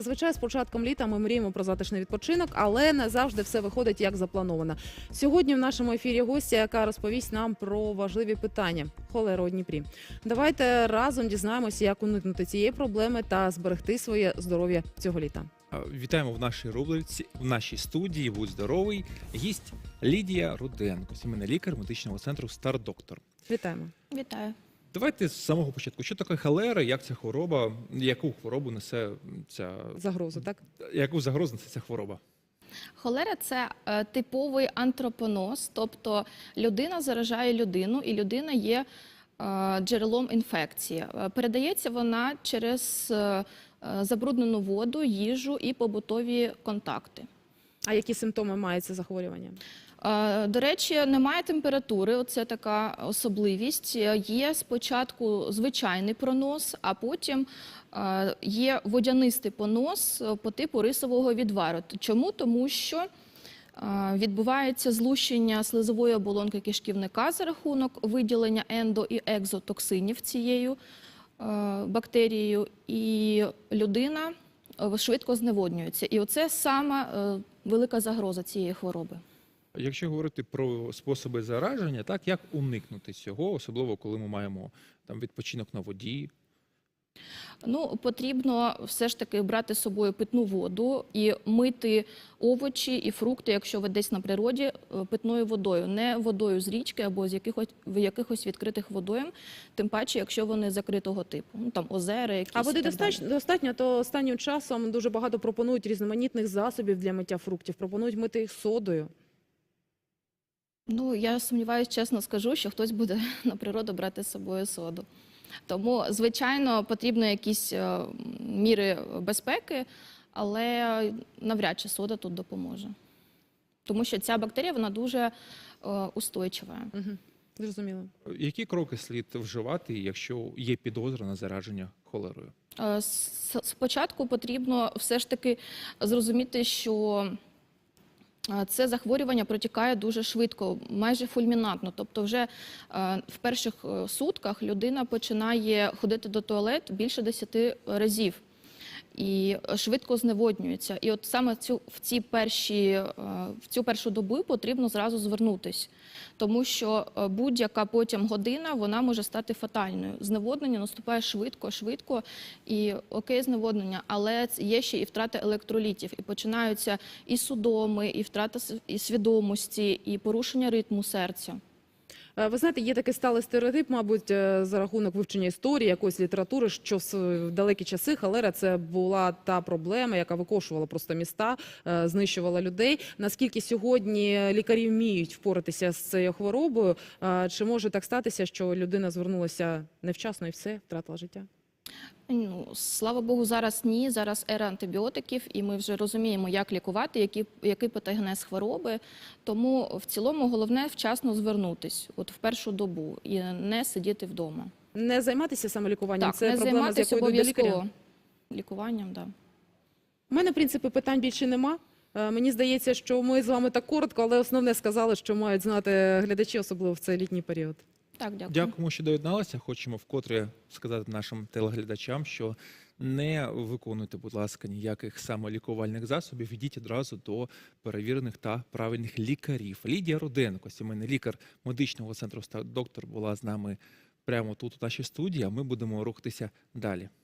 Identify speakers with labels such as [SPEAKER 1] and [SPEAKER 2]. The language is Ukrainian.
[SPEAKER 1] Звичайно, з початком літа ми мріємо про затишний відпочинок, але не завжди все виходить як заплановано. Сьогодні в нашому ефірі гостя, яка розповість нам про важливі питання – холеру у Дніпрі. Давайте разом дізнаємося, як уникнути цієї проблеми та зберегти своє здоров'я цього літа.
[SPEAKER 2] Вітаємо в нашій рубриці, в нашій студії «Будь здоровий». Гість Лідія Руденко, сімейний лікар медичного центру «Стар-Доктор».
[SPEAKER 1] Вітаємо.
[SPEAKER 3] Вітаю.
[SPEAKER 2] Давайте з самого початку. Що таке холера, як ця хвороба, яку хворобу несе ця...
[SPEAKER 1] Загрозу, так?
[SPEAKER 2] Яку загрозу несе ця хвороба?
[SPEAKER 3] Холера – це типовий антропоноз, тобто людина заражає людину, і людина є джерелом інфекції. Передається вона через забруднену воду, їжу і побутові контакти.
[SPEAKER 1] А які симптоми має це захворювання?
[SPEAKER 3] До речі, немає температури, оце така особливість. Є спочатку звичайний пронос, а потім є водянистий понос по типу рисового відвару. Чому? Тому що відбувається злущення слизової оболонки кишківника за рахунок виділення ендо- і екзотоксинів цією бактерією, і людина швидко зневоднюється. І оце сама велика загроза цієї хвороби.
[SPEAKER 2] Якщо говорити про способи зараження, так, як уникнути цього, особливо коли ми маємо там відпочинок на воді?
[SPEAKER 3] Ну, потрібно все ж таки брати з собою питну воду і мити овочі і фрукти, якщо ви десь на природі, питною водою, не водою з річки або з якихось відкритих водойм, тим паче, якщо вони закритого типу, ну там озера якісь.
[SPEAKER 1] А води достатньо, то останнім часом дуже багато пропонують різноманітних засобів для миття фруктів, пропонують мити їх содою.
[SPEAKER 3] Ну, я сумніваюся, чесно скажу, що хтось буде на природу брати з собою соду. Тому, звичайно, потрібні якісь міри безпеки, але навряд чи сода тут допоможе. Тому що ця бактерія, вона дуже устойчива.
[SPEAKER 1] Угу. Зрозуміло.
[SPEAKER 2] Які кроки слід вживати, якщо є підозра на зараження холерою?
[SPEAKER 3] Спочатку потрібно все ж таки зрозуміти, що це захворювання протікає дуже швидко, майже фульмінантно. Тобто вже в перших сутках людина починає ходити до туалету більше 10 разів і швидко зневоднюється. І от саме в цю першу добу потрібно зразу звернутися, тому що будь-яка потім година, вона може стати фатальною. Зневоднення наступає швидко, і окей, зневоднення, але є ще і втрата електролітів, і починаються і судоми, і втрата свідомості, і порушення ритму серця.
[SPEAKER 1] Ви знаєте, є такий сталий стереотип, мабуть, за рахунок вивчення історії, якоїсь літератури, що в далекі часи холера – це була та проблема, яка викошувала просто міста, знищувала людей. Наскільки сьогодні лікарі вміють впоратися з цією хворобою? Чи може так статися, що людина звернулася невчасно і все, втратила життя?
[SPEAKER 3] Ну, слава Богу, зараз ні, зараз ера антибіотиків, і ми вже розуміємо, як лікувати, який патогенез хвороби. Тому в цілому головне вчасно звернутись, от в першу добу, і не сидіти вдома.
[SPEAKER 1] Не займатися самолікуванням?
[SPEAKER 3] Так,
[SPEAKER 1] це
[SPEAKER 3] не
[SPEAKER 1] проблема, з якою йдуть до лікаря?
[SPEAKER 3] обов'язково лікуванням, так.
[SPEAKER 1] У мене, в принципі, питань більше нема. Мені здається, що ми з вами так коротко, але основне сказали, що мають знати глядачі, особливо в цей літній період.
[SPEAKER 3] Так, дякую.
[SPEAKER 2] Дякуємо, що доєдналися. Хочемо вкотре сказати нашим телеглядачам, що не виконуйте, будь ласка, ніяких самолікувальних засобів. Йдіть одразу до перевірених та правильних лікарів. Лідія Руденко, сімейний лікар медичного центру «Стар-Доктор», була з нами прямо тут, у нашій студії, а ми будемо рухатися далі.